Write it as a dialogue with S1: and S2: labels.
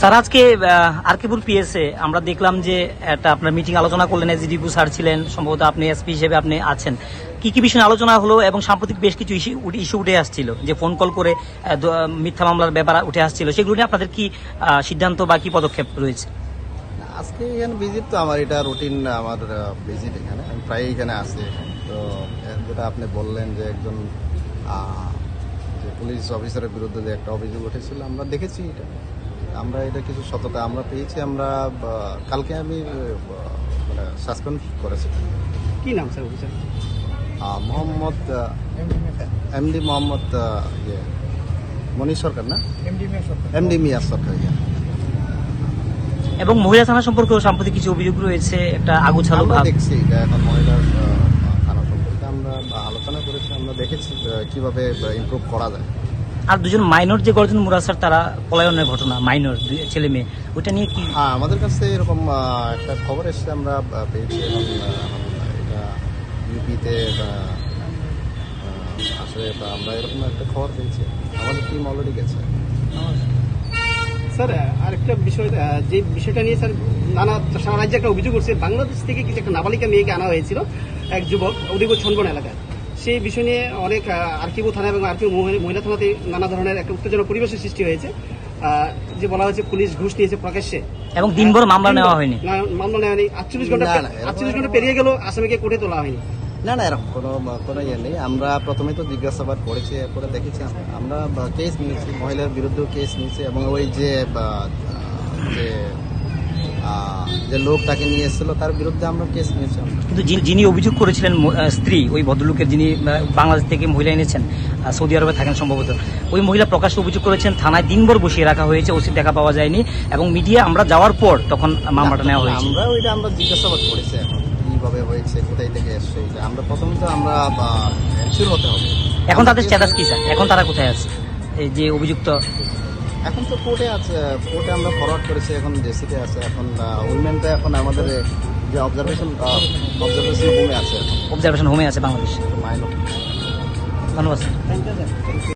S1: Sir আজকে আরকিপুর পিএসএ আমরা দেখলাম যে একটা আপনার মিটিং আলোচনা করলেন, এসডিপি স্যার ছিলেন, সম্ভবত আপনি এসপি হিসেবে আপনি আছেন। কি কি বিষয়ে আলোচনা হলো এবং সাম্প্রতিক বেশ কিছু ইস্যু উঠে আসছিল, যে ফোন কল করে মিথ্যা মামলার ব্যাপার উঠে আসছিল, সেগুলো নিয়ে আপনাদের কি সিদ্ধান্ত বা কি পদক্ষেপ রয়েছে?
S2: আজকে এখানে ভিজিট তো আমার এটা রুটিন, আমার ভিজিট এখানে আমি প্রায় এখানে আসি। তো যেটা আপনি বললেন যে একজন যে পুলিশ অফিসারের বিরুদ্ধে যে একটা অভিযোগ উঠেছিল, আমরা দেখেছি এটা, আমরা এটা কিছু সততা আমরা পেয়েছি। আমরা কালকে আমি মানে সাসপেন্ড করেছি।
S3: কি নাম sir officer?
S2: Mohammad MD Mohammad Monir Sarkar, না এমডি মিয়ার সরকার।
S1: এবং মহিলা থানা সম্পর্কেও সাম্প্রতিক কিছু অভিযোগ রয়েছে, একটা আগুছালো
S2: আমরা
S1: ভাব।
S2: দেখছি এটা এখন মহিলার থানা সম্পর্কে আমরা আলোচনা করেছি, আমরা দেখেছি কিভাবে ইমপ্রুভ করা যায়।
S1: আর দুজন মাইনর যে গর্জন মুরাদ স্যার, তারা পলায়নের ঘটনা, মাইনর ছেলে মেয়ে, ওইটা নিয়ে কি?
S2: হ্যাঁ, আমাদের কাছে এরকম একটা খবর এসেছে, আমরা পেয়েছি এবং এটা ইউপিতে আসলে আমরা এরকম একটা খবর পেয়েছি, আমাদের টিম অলরেডি গেছে।
S3: স্যার আরেকটা বিষয়, যে বিষয়টা নিয়ে স্যার সারা রাজ্যে একটা অভিযোগ করছে, বাংলাদেশ থেকে কিছু একটা নাবালিকা মেয়েকে আনা হয়েছিল, এক যুবক উদিপুর ছনবন এলাকায়। সেই বিষয় নিয়ে অনেক আরকিপুর থানা এবং আরকিপুর মহিলা থানাতে নানা ধরনের একটা উত্তেজনক পরিবেশের সৃষ্টি হয়েছে। যে বলা হয়েছে পুলিশ ঘুষ নিয়েছে প্রকাশ্যে,
S1: এবং দিনভর মামলা নেওয়া হয়নি।
S3: মামলা নেওয়া হয়নি, 48 ঘন্টা পেরিয়ে গেল, আসামিকে কোর্টে তোলা হয়নি।
S2: না না, এরকম কোনো ইয়ে নেই। আমরা প্রথমে তো জিজ্ঞাসাবাদ করেছি, এরপরে দেখেছি আমরা কেস নিয়েছি, মহিলার বিরুদ্ধেও কেস নিয়েছি এবং ওই যে যে লোক তাকে নিয়ে এসেছিল তার বিরুদ্ধে আমরা কেস নিয়েছি।
S1: কিন্তু যিনি অভিযোগ করেছিলেন স্ত্রী, ওই ভদ্রলোকের, যিনি বাংলাদেশ থেকে মহিলা এনেছেন, সৌদি আরবে থাকেন সম্ভবত, ওই মহিলা প্রকাশ্যে অভিযোগ করেছেন থানায় দিনভর বসিয়ে রাখা হয়েছে, ওসির দেখা পাওয়া যায়নি, এবং মিডিয়া আমরা যাওয়ার পর তখন মামলাটা নেওয়া হয়েছে।
S2: আমরা জিজ্ঞাসাবাদ করেছি এখন কিভাবে হয়েছে, কোথায় থেকে এসছে, আমরা প্রথমত আমরা এনশিওর হতে হবে।
S1: এখন তাদের স্ট্যাটাস কি স্যার? এখন তারা কোথায় আছে, এই যে অভিযুক্ত?
S2: এখন তো কোর্টে আছে, কোর্টে আমরা ফরওয়ার্ড করেছি, এখন জেসিতে আছে। এখন উইমেনটা এখন আমাদের যে অবজারভেশন হোমে আছে,
S1: অবজারভেশন হোমে আছে বাংলাদেশ।
S2: মাইনর।
S1: ধন্যবাদ স্যার।